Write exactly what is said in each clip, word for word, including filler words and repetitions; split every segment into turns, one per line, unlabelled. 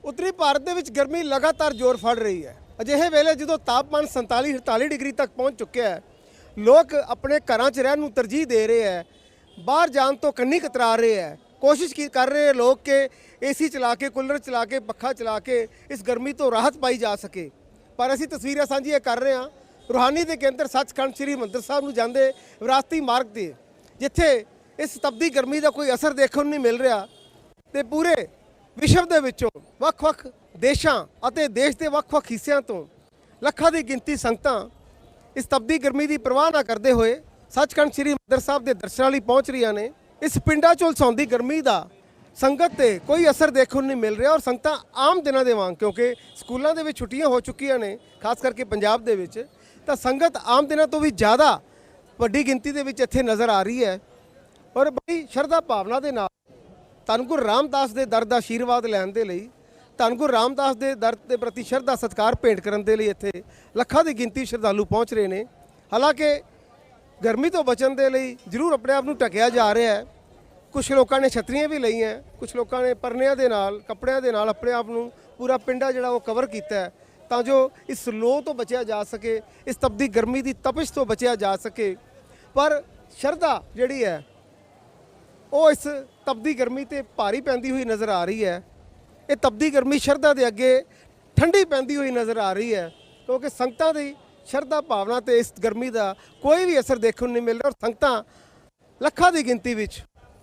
ਉੱਤਰੀ ਭਾਰਤ ਦੇ ਵਿੱਚ ਗਰਮੀ ਲਗਾਤਾਰ ਜ਼ੋਰ ਫੜ ਰਹੀ ਹੈ। ਅਜਿਹੇ ਵੇਲੇ ਜਦੋਂ ਤਾਪਮਾਨ ਸੰਤਾਲੀ ਅਠਤਾਲੀ ਡਿਗਰੀ ਤੱਕ ਪਹੁੰਚ ਚੁੱਕਿਆ ਹੈ, ਲੋਕ ਆਪਣੇ ਘਰਾਂ 'ਚ ਰਹਿਣ ਨੂੰ ਤਰਜੀਹ ਦੇ ਰਹੇ ਹੈ, ਬਾਹਰ ਜਾਣ ਤੋਂ ਕੰਨੀ ਕਤਰਾ ਰਹੇ ਹੈ। ਕੋਸ਼ਿਸ਼ ਕੀ ਕਰ ਰਹੇ ਲੋਕ ਕਿ ਏਸੀ ਚਲਾ ਕੇ, ਕੂਲਰ ਚਲਾ ਕੇ, ਪੱਖਾ ਚਲਾ ਕੇ ਇਸ ਗਰਮੀ ਤੋਂ ਰਾਹਤ ਪਾਈ ਜਾ ਸਕੇ। ਪਰ ਅਸੀਂ ਤਸਵੀਰਾਂ ਸਾਂਝੀਆਂ ਕਰ ਰਹੇ ਹਾਂ ਰੂਹਾਨੀ ਦੇ ਕੇਂਦਰ ਸੱਚਖੰਡ ਸ੍ਰੀ ਹਰਿਮੰਦਰ ਸਾਹਿਬ ਨੂੰ ਜਾਂਦੇ ਵਿਰਾਸਤੀ ਮਾਰਗ ਤੇ, ਜਿੱਥੇ ਇਸ ਤਪਦੀ ਗਰਮੀ ਦਾ ਕੋਈ ਅਸਰ ਦੇਖਣ ਨੂੰ ਨਹੀਂ ਮਿਲ ਰਿਹਾ ਤੇ ਪੂਰੇ ਵਿਸ਼ਵ ਦੇ ਵਿੱਚੋਂ ਵੱਖ-ਵੱਖ ਦੇਸ਼ਾਂ ਅਤੇ ਦੇਸ਼ ਦੇ ਵੱਖ-ਵੱਖ ਹਿੱਸਿਆਂ ਤੋਂ ਲੱਖਾਂ ਦੀ ਗਿਣਤੀ ਸੰਗਤਾਂ ਇਸ ਤਪਦੀ ਗਰਮੀ ਦੀ ਪਰਵਾਹ ਨਾ ਕਰਦੇ ਹੋਏ ਸੱਚਖੰਡ ਸ੍ਰੀ ਹਰਿਮੰਦਰ ਸਾਹਿਬ ਦੇ ਦਰਸ਼ਨਾਂ ਲਈ ਪਹੁੰਚ ਰਹੀਆਂ ਨੇ। ਇਸ ਪਿੰਡਾਂ 'ਚੋਂ ਲਸਾਉਂਦੀ ਗਰਮੀ ਦਾ ਸੰਗਤ ਤੇ ਕੋਈ ਅਸਰ ਦੇਖਣ ਨੂੰ ਨਹੀਂ ਮਿਲ ਰਿਹਾ ਔਰ ਸੰਗਤਾਂ ਆਮ ਦਿਨਾਂ ਦੇ ਵਾਂਗ, ਕਿਉਂਕਿ ਸਕੂਲਾਂ ਦੇ ਵਿੱਚ ਛੁੱਟੀਆਂ ਹੋ ਚੁੱਕੀਆਂ ਨੇ ਖਾਸ ਕਰਕੇ ਪੰਜਾਬ ਦੇ ਵਿੱਚ, ਤਾਂ ਸੰਗਤ ਆਮ ਦਿਨਾਂ ਤੋਂ ਵੀ ਜ਼ਿਆਦਾ ਵੱਡੀ ਗਿਣਤੀ ਦੇ ਵਿੱਚ ਇੱਥੇ ਨਜ਼ਰ ਆ ਰਹੀ ਹੈ ਔਰ ਬੜੀ ਸ਼ਰਧਾ ਭਾਵਨਾ ਦੇ ਨਾਲ ਧੰਨ ਗੁਰੂ ਰਾਮਦਾਸ ਦੇ ਦਰ ਦਾ ਆਸ਼ੀਰਵਾਦ ਲੈਣ ਦੇ ਲਈ, ਧੰਨ ਗੁਰੂ ਰਾਮਦਾਸ ਦੇ ਦਰ ਦੇ ਪ੍ਰਤੀ ਸ਼ਰਧਾ ਸਤਿਕਾਰ ਭੇਂਟ ਕਰਨ ਦੇ ਲਈ ਇੱਥੇ ਲੱਖਾਂ ਦੀ ਗਿਣਤੀ ਸ਼ਰਧਾਲੂ ਪਹੁੰਚ ਰਹੇ ਨੇ। ਹਾਲਾਂਕਿ ਗਰਮੀ ਤੋਂ ਬਚਣ ਦੇ ਲਈ ਜ਼ਰੂਰ ਆਪਣੇ ਆਪ ਨੂੰ ਢਕਿਆ ਜਾ ਰਿਹਾ ਹੈ। ਕੁਝ ਲੋਕਾਂ ਨੇ ਛਤਰੀਆਂ ਵੀ ਲਈਆਂ, ਕੁਝ ਲੋਕਾਂ ਨੇ ਪਰਨਿਆਂ ਦੇ ਨਾਲ, ਕੱਪੜਿਆਂ ਦੇ ਨਾਲ ਆਪਣੇ ਆਪ ਨੂੰ ਪੂਰਾ ਪਿੰਡਾ ਜਿਹੜਾ ਉਹ ਕਵਰ ਕੀਤਾ ਹੈ ਤਾਂ ਜੋ ਇਸ ਲੋਅ ਤੋਂ ਬਚਿਆ ਜਾ ਸਕੇ, ਇਸ ਤਪਦੀ ਗਰਮੀ ਦੀ ਤਪਸ਼ ਤੋਂ ਬਚਿਆ ਜਾ ਸਕੇ। ਪਰ ਸ਼ਰਧਾ ਜਿਹੜੀ ਹੈ ਉਹ ਇਸ ਤਪਦੀ ਗਰਮੀ ਤੇ ਭਾਰੀ ਪੈਂਦੀ ਹੋਈ ਨਜ਼ਰ ਆ ਰਹੀ ਹੈ। ਇਹ ਤਪਦੀ ਗਰਮੀ ਸ਼ਰਧਾ ਦੇ ਅੱਗੇ ਠੰਡੀ ਪੈਂਦੀ ਹੋਈ ਨਜ਼ਰ ਆ ਰਹੀ ਹੈ, ਕਿਉਂਕਿ ਸੰਗਤਾਂ ਦੀ ਸ਼ਰਧਾ ਭਾਵਨਾ ਤੇ ਇਸ ਗਰਮੀ ਦਾ ਕੋਈ ਵੀ ਅਸਰ ਦੇਖਣ ਨੂੰ ਨਹੀਂ ਮਿਲ ਰਿਹਾ ਔਰ ਸੰਗਤਾਂ ਲੱਖਾਂ ਦੀ ਗਿਣਤੀ ਵਿੱਚ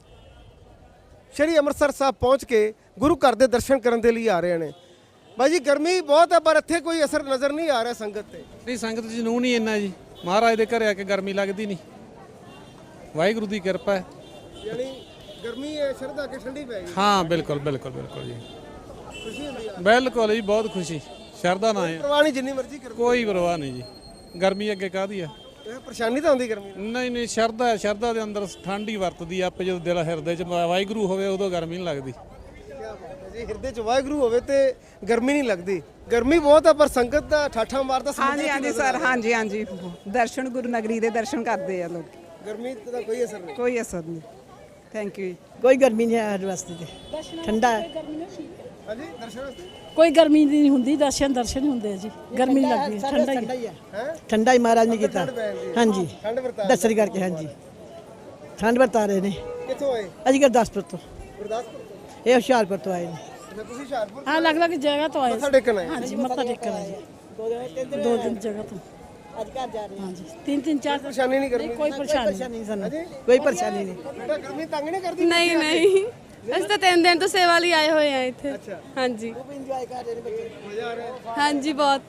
ਸ਼੍ਰੀ ਅੰਮ੍ਰਿਤਸਰ ਸਾਹਿਬ ਪਹੁੰਚ ਕੇ ਗੁਰੂ ਘਰ ਦੇ ਦਰਸ਼ਨ ਕਰਨ ਦੇ ਲਈ ਆ ਰਹੇ ਨੇ। ਬਾਈ ਜੀ, ਗਰਮੀ ਬਹੁਤ ਹੈ ਪਰ ਇੱਥੇ ਕੋਈ ਅਸਰ ਨਜ਼ਰ ਨਹੀਂ ਆ ਰਿਹਾ ਸੰਗਤ ਤੇ।
ਨਹੀਂ, ਸੰਗਤ ਚ ਜਨੂਨ ਹੀ ਇੰਨਾ ਜੀ, ਮਹਾਰਾਜ ਦੇ ਘਰੇ ਆ ਕੇ ਗਰਮੀ ਲੱਗਦੀ ਨਹੀਂ, ਵਾਹਿਗੁਰੂ ਦੀ ਕਿਰਪਾ ਹੈ।
ਯਾਨੀ ਗਰਮੀ ਹੈ ਸ਼ਰਧਾ ਕੇ ਠੰਡੀ ਪੈ ਗਈ।
ਹਾਂ ਬਿਲਕੁਲ ਬਿਲਕੁਲ ਬਿਲਕੁਲ ਜੀ,
ਖੁਸ਼ੀ ਹੁੰਦੀ ਹੈ
ਬਿਲਕੁਲ ਜੀ, ਬਹੁਤ ਖੁਸ਼ੀ। ਸ਼ਰਧਾ ਨਾ ਹੈ,
ਪਰਵਾਹ ਨਹੀਂ, ਜਿੰਨੀ ਮਰਜ਼ੀ ਕਰ
ਕੋਈ ਪਰਵਾਹ ਨਹੀਂ ਜੀ। ਗਰਮੀ ਅੱਗੇ ਕਾਹਦੀ ਆ,
ਇਹ ਪਰੇਸ਼ਾਨੀ ਤਾਂ ਹੁੰਦੀ ਗਰਮੀ ਨਾਲ।
ਨਹੀਂ ਨਹੀਂ, ਸ਼ਰਧਾ ਹੈ, ਸ਼ਰਧਾ ਦੇ ਅੰਦਰ ਠੰਡ ਹੀ ਵਰਤਦੀ ਆ। ਆਪੇ ਜਦੋਂ ਦਿਲ ਹਿਰਦੇ ਚ ਵਾਹਿਗੁਰੂ ਹੋਵੇ ਉਦੋਂ ਗਰਮੀ ਨਹੀਂ ਲੱਗਦੀ।
ਜੀ ਹਿਰਦੇ ਚ ਵਾਹਿਗੁਰੂ ਹੋਵੇ ਤੇ ਗਰਮੀ ਨਹੀਂ ਲੱਗਦੀ। ਗਰਮੀ ਬਹੁਤ ਹੈ ਪਰ ਸੰਗਤ ਦਾ ਠਾਠਾ ਮਾਰਦਾ ਸਮੁੰਦਰ।
ਹਾਂਜੀ ਹਾਂਜੀ ਸਰ, ਹਾਂਜੀ ਹਾਂਜੀ, ਦਰਸ਼ਨ ਗੁਰੂ ਨਗਰੀ ਦੇ ਦਰਸ਼ਨ ਕਰਦੇ ਆ ਲੋਕ।
ਗਰਮੀ ਦਾ ਕੋਈ ਅਸਰ ਨਹੀਂ,
ਕੋਈ ਅਸਰ ਨਹੀਂ। Thank you.
ਕੋਈ ਗਰਮੀ ਨਹੀਂ ਹੈ ਸਾਡੇ ਵਾਸਤੇ ਤੇ ਠੰਡਾ ਹੈ।
ਹਾਂਜੀ ਦਰਸ਼ਨ ਵਾਸਤੇ
ਕੋਈ ਗਰਮੀ ਨਹੀਂ ਹੁੰਦੀ, ਦਰਸ਼ਨ ਦਰਸ਼ਨ ਹੁੰਦੇ ਜੀ, ਗਰਮੀ ਨਹੀਂ ਲੱਗਦੀ, ਠੰਡਾ ਹੀ
ਹੈ। ਠੰਡਾ ਹੀ ਮਹਾਰਾਜ ਨੇ ਕੀਤਾ। ਹਾਂਜੀ,
ਠੰਡ ਵਰਤਾ
ਦਰਸ਼ਨ ਕਰਕੇ। ਹਾਂਜੀ, ਠੰਡ ਵਰਤਾ ਰਹੇ ਨੇ।
ਕਿੱਥੋਂ ਆਏ?
ਅਸੀਂ ਗੁਰਦਾਸਪੁਰ ਤੋਂ,
ਗੁਰਦਾਸਪੁਰ ਤੋਂ।
ਇਹ ਹੁਸ਼ਿਆਰਪੁਰ ਤੋਂ ਆਏ ਨੇ।
ਅੱਛਾ, ਤੁਸੀਂ ਹੁਸ਼ਿਆਰਪੁਰ
ਹਾਂ, ਅਲੱਗ ਅਲੱਗ ਜਗ੍ਹਾ ਤੋਂ ਆਏ।
ਮੱਥਾ ਟੇਕਣ ਆਏ?
ਹਾਂਜੀ, ਮੱਥਾ ਟੇਕਣ ਆਏ ਜੀ, ਦੋ ਦਿਨ ਜਗ੍ਹਾ ਤੋਂ।
ਅੱਜ ਘਰ ਜਾ ਰਹੇ
ਹਾਂਜੀ, ਤਿੰਨ ਤਿੰਨ ਚਾਰ
ਪਰੇਸ਼ਾਨੀ ਨਹੀਂ ਕਰਨੀ?
ਕੋਈ ਪਰੇਸ਼ਾਨੀ ਨਹੀਂ।
ਨਹੀਂ ਸਾਨੂੰ ਕੋਈ ਪਰੇਸ਼ਾਨੀ ਨਹੀਂ।
ਬੇਟਾ ਗਰਮੀ ਤੰਗ ਨਹੀਂ ਕਰਦੀ?
ਨਹੀਂ ਨਹੀਂ, ਅਸੀਂ ਤਾਂ ਤਿੰਨ ਦਿਨ ਤੋਂ ਸੇਵਾ ਲਈ ਆਏ ਹੋਏ ਆ ਇੱਥੇ।
ਅੱਛਾ,
ਹਾਂਜੀ,
ਇੰਜੋਏ ਕਰ ਰਹੇ ਨੇ ਬੱਚੇ।
ਮਜ਼ਾ ਆ ਰਿਹਾ?
ਹਾਂਜੀ ਬਹੁਤ।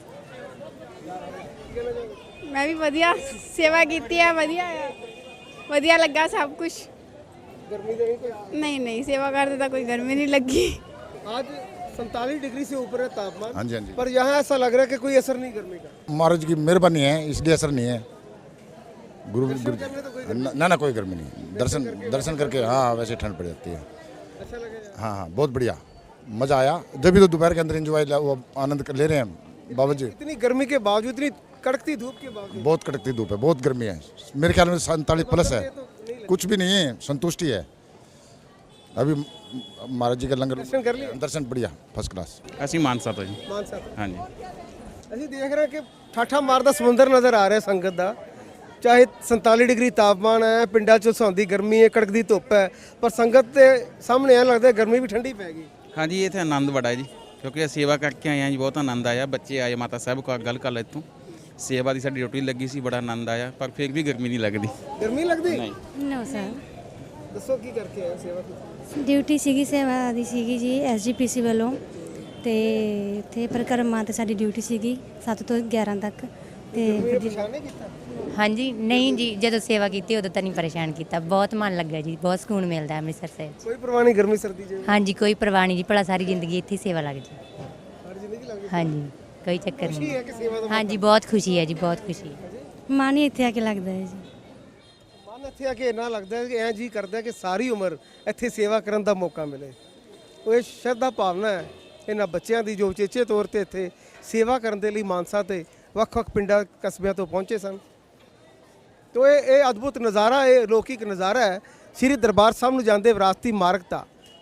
ਮੈਂ ਵੀ ਵਧੀਆ ਸੇਵਾ ਕੀਤੀ ਆ, ਵਧੀਆ ਆ, ਵਧੀਆ ਲੱਗਾ ਸਭ ਕੁਝ।
ਗਰਮੀ ਦੇ ਨਹੀਂ ਕੋਈ?
ਨਹੀਂ ਨਹੀਂ, ਸੇਵਾ करते ਤਾਂ ਕੋਈ गर्मी नहीं लगी।
आज सैंतालीस डिग्री से ऊपर है तापमान।
हाँ जी हाँ जी।
पर यहाँ ऐसा लग रहा है कि कोई असर नहीं गर्मी का।
महाराज की मेहरबानी है इसलिए असर नहीं है। गुरु गुरु
करने तो कोई
ना ना, ना कोई गर्मी नहीं। दर्शन दर्शन करके हाँ वैसे ठंड पड़ जाती है।
अच्छा लगेगा?
हाँ हाँ, बहुत बढ़िया, मज़ा आया। जब भी तो दोपहर के अंदर इंजॉय वो आनंद ले रहे हैं बाबा जी।
इतनी गर्मी के बावजूद, इतनी कड़कती धूप के बावजूद
बहुत कड़कती धूप है, बहुत गर्मी है। मेरे ख्याल में सैंतालीस प्लस है, कुछ भी नहीं है, संतुष्टि है। अभी महाराज जी का लंगर
दर्शन कर लिया?
दर्शन बढ़िया, फर्स्ट क्लास।
ਅਸੀਂ ਮਾਨਸਾ ਤੋਂ ਜੀ।
मानसा था।
ਹਾਂਜੀ,
ਅਸੀਂ ਦੇਖ ਰਹੇ ਕਿ ਠਾਠਾ ਮਾਰਦਾ ਸਮੁੰਦਰ ਨਜ਼ਰ ਆ ਰਿਹਾ ਸੰਗਤ ਦਾ। ਚਾਹੇ सैंतालीस डिग्री ਤਾਪਮਾਨ ਹੈ, ਪਿੰਡਾਂ 'ਚ ਸੌਂਦੀ ਗਰਮੀ ਹੈ, ਕੜਕਦੀ ਧੁੱਪ ਹੈ, ਪਰ ਸੰਗਤ ਦੇ ਸਾਹਮਣੇ ਐਂ ਲੱਗਦਾ ਗਰਮੀ ਵੀ ਠੰਡੀ ਪੈ ਗਈ।
ਹਾਂਜੀ, ਇੱਥੇ ਆਨੰਦ ਬੜਾ ਹੈ ਜੀ, ਕਿਉਂਕਿ ਅਸੀਂ ਸੇਵਾ ਕਰਕੇ ਆਏ ਹਾਂ ਜੀ, ਬਹੁਤ ਆਨੰਦ ਆਇਆ। ਬੱਚੇ ਆਏ, ਮਾਤਾ ਸਾਹਿਬ ਕੋਲ ਗੱਲ ਕਰ ਲੈ ਇੱਥੋਂ, ਸੇਵਾ ਦੀ ਸਾਡੀ ਡਿਊਟੀ ਲੱਗੀ ਸੀ, ਬੜਾ ਆਨੰਦ ਆਇਆ। ਪਰ ਫਿਰ ਵੀ ਗਰਮੀ ਨਹੀਂ ਲੱਗਦੀ।
ਗਰਮੀ ਲੱਗਦੀ?
ਨਹੀਂ।
ਨੋ ਸਰ,
ਦੱਸੋ ਕੀ ਕਰਕੇ ਆਏ ਸੇਵਾ ਕੀਤੀ?
ਡਿਊਟੀ ਸੀਗੀ, ਸੇਵਾ ਦੀ ਸੀਗੀ ਜੀ ਐਸ ਜੀ ਪੀ ਸੀ ਵੱਲੋਂ, ਤੇ ਇੱਥੇ ਪਰਿਕਰਮਾ ਤੇ ਸਾਡੀ ਡਿਊਟੀ ਸੀਗੀ ਸੱਤ ਤੋਂ ਗਿਆਰਾਂ ਤੱਕ। ਤੇ
ਪਰੇਸ਼ਾਨ ਨਹੀਂ ਕੀਤਾ?
ਹਾਂਜੀ, ਨਹੀਂ ਜੀ, ਜਦੋਂ ਸੇਵਾ ਕੀਤੀ ਉਦੋਂ ਤਾਂ ਨਹੀਂ ਪਰੇਸ਼ਾਨ ਕੀਤਾ। ਬਹੁਤ ਮਨ ਲੱਗਾ ਜੀ, ਬਹੁਤ ਸਕੂਨ ਮਿਲਦਾ ਅੰਮ੍ਰਿਤਸਰ ਸਾਹਿਬ 'ਚ।
ਕੋਈ ਪਰਵਾਹ ਨਹੀਂ ਗਰਮੀ ਸਰਦੀ ਜੇ?
ਹਾਂਜੀ, ਕੋਈ ਪਰਵਾਹ ਨਹੀਂ ਜੀ, ਭਲਾ ਸਾਰੀ ਜ਼ਿੰਦਗੀ ਇੱਥੇ ਹੀ ਸੇਵਾ ਲੱਗ ਜੀ।
ਹਰ ਜ਼ਿੰਦਗੀ ਲੱਗ ਗਈ?
ਹਾਂਜੀ, ਕੋਈ ਚੱਕਰ
ਖੁਸ਼ੀ
ਨਹੀਂ।
ਹੈ ਕਿ ਸੇਵਾ ਦਾ
ਹਾਂਜੀ, ਬਹੁਤ ਖੁਸ਼ੀ ਹੈ ਜੀ, ਬਹੁਤ ਖੁਸ਼ੀ ਹੈ।
ਮਨ ਹੀ ਇੱਥੇ ਆ ਕੇ ਲੱਗਦਾ ਹੈ ਜੀ।
ਮਨ ਇੱਥੇ ਆ ਕੇ ਇੰਨਾ ਲੱਗਦਾ ਹੈ ਕਿ ਐਂ ਜੀ ਕਰਦਾ ਕਿ ਸਾਰੀ ਉਮਰ ਇੱਥੇ ਸੇਵਾ ਕਰਨ ਦਾ ਮੌਕਾ ਮਿਲੇ। ਉਹ ਇਹ ਸ਼ਰਧਾ ਭਾਵਨਾ ਹੈ ਇਹਨਾਂ ਬੱਚਿਆਂ ਦੀ ਜੋ ਉਚੇਚੇ ਤੌਰ ਤੇ ਇੱਥੇ ਸੇਵਾ ਕਰਨ ਦੇ ਲਈ ਮਾਨਸਾ ਤੇ ਵੱਖ-ਵੱਖ ਪਿੰਡਾਂ ਕਸਬਿਆਂ ਤੋਂ ਪਹੁੰਚੇ ਸਨ। ਤੋ ਇਹ ਇਹ ਅਦਭੁਤ ਨਜ਼ਾਰਾ, ਇਹ ਲੌਕਿਕ ਨਜ਼ਾਰਾ ਹੈ ਸ਼੍ਰੀ ਦਰਬਾਰ ਸਾਹਿਬ ਨੂੰ ਜਾਂਦੇ ਵਿਰਾਸਤੀ ਮਾਰਗ ਦਾ।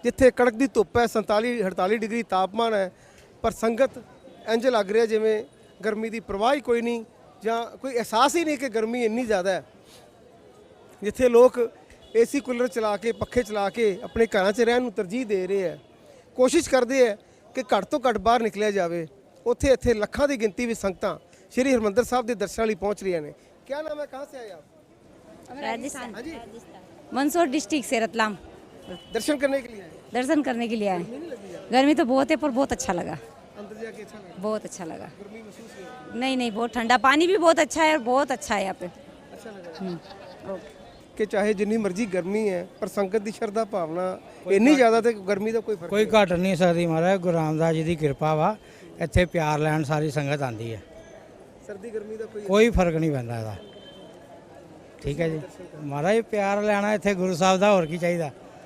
ਜਿੱਥੇ ਕੜਕ ਦੀ ਧੁੱਪ ਹੈ, ਸੰਤਾਲੀ ਅੜਤਾਲੀ ਡਿਗਰੀ ਤਾਪਮਾਨ ਹੈ, ਪਰ ਸੰਗਤ ਇੰਜ ਲੱਗ ਰਿਹਾ ਜਿਵੇਂ ਗਰਮੀ ਦੀ ਪਰਵਾਹ ਹੀ ਕੋਈ ਨਹੀਂ ਜਾਂ ਕੋਈ ਅਹਿਸਾਸ ਹੀ ਨਹੀਂ ਕਿ ਗਰਮੀ ਇੰਨੀ ਜ਼ਿਆਦਾ ਹੈ। ਜਿੱਥੇ ਲੋਕ ਏਸੀ ਕੂਲਰ ਚਲਾ ਕੇ ਪੱਖੇ ਚਲਾ ਕੇ ਆਪਣੇ ਘਰਾਂ 'ਚ ਰਹਿਣ ਨੂੰ ਤਰਜੀਹ ਦੇ ਰਹੇ ਹੈ, ਕੋਸ਼ਿਸ਼ ਕਰਦੇ ਹੈ ਕਿ ਘੱਟ ਤੋਂ ਘੱਟ ਬਾਹਰ ਨਿਕਲਿਆ ਜਾਵੇ, ਉੱਥੇ ਇੱਥੇ ਲੱਖਾਂ ਦੀ ਗਿਣਤੀ ਵਿੱਚ ਸੰਗਤਾਂ ਸ਼੍ਰੀ ਹਰਿਮੰਦਰ ਸਾਹਿਬ ਦੇ ਦਰਸ਼ਨਾਂ ਲਈ ਪਹੁੰਚ ਰਹੀਆਂ ਨੇ। क्या नाम है, कहाँ से आए आप?
राजस्थान
हाँ जी,
मंदसौर डिस्ट्रिक्ट से रतलाम
दर्शन करने के लिए आए?
दर्शन करने के लिए आए। गर्मी तो बहुत है पर बहुत अच्छा लगा,
अंदर जाके अच्छा लगा?
बहुत अच्छा लगा।
गर्मी महसूस नहीं?
नहीं नहीं बहुत ठंडा, पानी भी बहुत अच्छा है और बहुत अच्छा है यहाँ पे।
अच्छा लगा कि चाहे जिन्नी मर्जी गर्मी है पर संगत की शरधा भावना इन्नी ज़्यादा ते गर्मी का कोई फर्क
ਕੋਈ ਘਟ ਨਹੀਂ ਸਕਦੀ ਮਹਾਰਾਜ। ਗੁਰੂ ਰਾਮਦਾਸ ਜੀ ਦੀ ਕਿਰਪਾ ਵਾ, ਇੱਥੇ ਪਿਆਰ ਲੈਣ ਸਾਰੀ ਸੰਗਤ ਆਂਦੀ ਹੈ।
सर्दी गर्मी का कोई
ਕੋਈ ਫਰਕ ਨਹੀਂ ਪੈਂਦਾ ਇਹਦਾ। ਠੀਕ ਹੈ ਜੀ ਮਹਾਰਾਜ, ਪਿਆਰ ਲੈਣਾ ਇੱਥੇ ਗੁਰੂ ਸਾਹਿਬ ਦਾ, ਹੋਰ ਕੀ ਚਾਹੀਦਾ।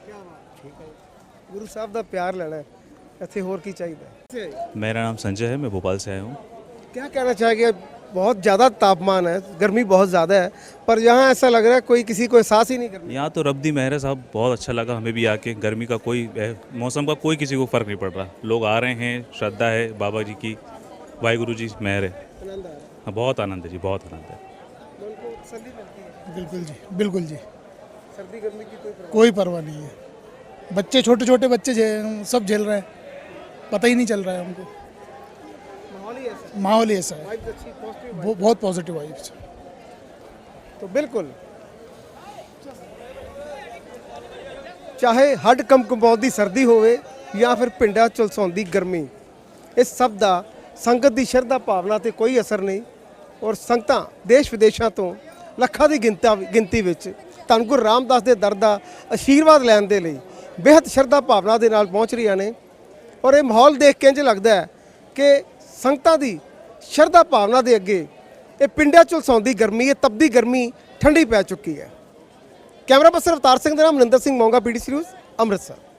गुरु साहब का प्यार लेना है, इतने होर की चाहिए।
मेरा नाम संजय है, मैं भोपाल से आया हूँ।
क्या कहना चाहेंगे? बहुत ज़्यादा तापमान है, गर्मी बहुत ज़्यादा है, पर यहाँ ऐसा लग रहा है कोई किसी को एहसास ही नहीं करना।
यहाँ तो रब दी मेहर है साहब, बहुत अच्छा लगा हमें भी आके। गर्मी का कोई मौसम का कोई किसी को फ़र्क नहीं पड़ रहा। लोग आ रहे हैं, श्रद्धा है बाबा जी की, वाहिगुरु जी मेहर है।
आनंद आ रहा है।
हाँ, बहुत आनंद है जी, बहुत आनंद है।
मन को सर्दी लगती है?
बिल्कुल जी, बिल्कुल जी,
सर्दी गर्मी की कोई परवाह
कोई परवाह नहीं है। बच्चे छोटे छोटे बच्चे झे- सब झेल रहे हैं, पता ही नहीं चल रहा है हमको।
नहीं। माहौल ही ऐसा है,
माहौल ही ऐसा है,
वाइब्स अच्छी, पॉजिटिव
वो बहुत पॉजिटिव वाइब्स।
तो बिल्कुल चाहे हड कंपकंपाउंदी सर्दी होवे या फिर पिंडा ਝੁਲਸਾਉਂਦੀ ਗਰਮੀ, ਇਸ ਸਭ ਦਾ ਸੰਗਤ ਦੀ ਸ਼ਰਧਾ ਭਾਵਨਾ ਤੇ ਕੋਈ ਅਸਰ ਨਹੀਂ। ਔਰ ਸੰਗਤਾਂ ਦੇਸ਼ ਵਿਦੇਸ਼ਾਂ ਤੋਂ ਲੱਖਾਂ ਦੀ ਗਿਣਤਾ ਗਿਣਤੀ ਵਿੱਚ ਧੰਨ ਗੁਰੂ ਰਾਮਦਾਸ ਦੇ ਦਰ ਦਾ ਆਸ਼ੀਰਵਾਦ ਲੈਣ ਦੇ ਲਈ ਬੇਹੱਦ ਸ਼ਰਧਾ ਭਾਵਨਾ ਦੇ ਨਾਲ ਪਹੁੰਚ ਰਹੀਆਂ ਨੇ। ਔਰ ਇਹ ਮਾਹੌਲ ਦੇਖ ਕੇ ਇੰਝ ਲੱਗਦਾ ਹੈ ਕਿ ਸੰਗਤਾਂ ਦੀ ਸ਼ਰਧਾ ਭਾਵਨਾ ਦੇ ਅੱਗੇ ਇਹ ਪਿੰਡਾਂ ਝੁਲਸਾਉਂਦੀ ਗਰਮੀ, ਇਹ ਤਪਦੀ ਗਰਮੀ ਠੰਡੀ ਪੈ ਚੁੱਕੀ ਹੈ। ਕੈਮਰਾ ਪਰਸਨ ਅਵਤਾਰ ਸਿੰਘ ਦੇ ਨਾਲ ਮਨਿੰਦਰ ਸਿੰਘ ਮੋਂਗਾ, ਪੀਡੀਸੀ ਨਿਊਜ਼, ਅੰਮ੍ਰਿਤਸਰ।